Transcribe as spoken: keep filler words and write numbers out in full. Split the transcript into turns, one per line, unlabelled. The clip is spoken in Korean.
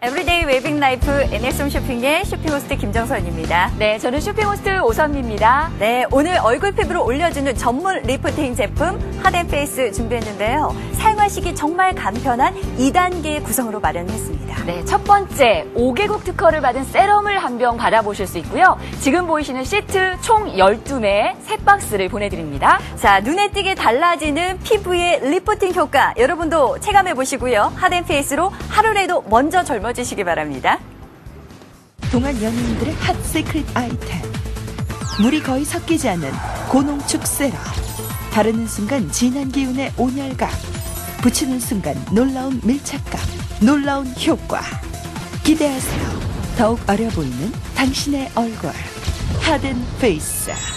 에브리데이 웨빙 라이프 엔에스홈 쇼핑의 쇼핑 호스트 김정선입니다.
네, 저는 쇼핑 호스트 오선미입니다.
네, 오늘 얼굴 피부를 올려주는 전문 리프팅 제품 핫앤페이스 준비했는데요. 사용하시기 정말 간편한 이 단계 구성으로 마련했습니다.
네, 첫 번째 오 개국 특허를 받은 세럼을 한 병 받아보실 수 있고요. 지금 보이시는 시트 총 열두 매 세 박스를 보내드립니다.
자, 눈에 띄게 달라지는 피부의 리프팅 효과 여러분도 체감해 보시고요. 핫앤페이스로 하루라도 먼저 젊어지시기 바랍니다.
동안 연예인들의 핫 시크릿 아이템. 물이 거의 섞이지 않는 고농축 세럼. 바르는 순간 진한 기운의 온열감. 붙이는 순간 놀라운 밀착감. 놀라운 효과. 기대하세요. 더욱 어려 보이는 당신의 얼굴. 핫앤페이스.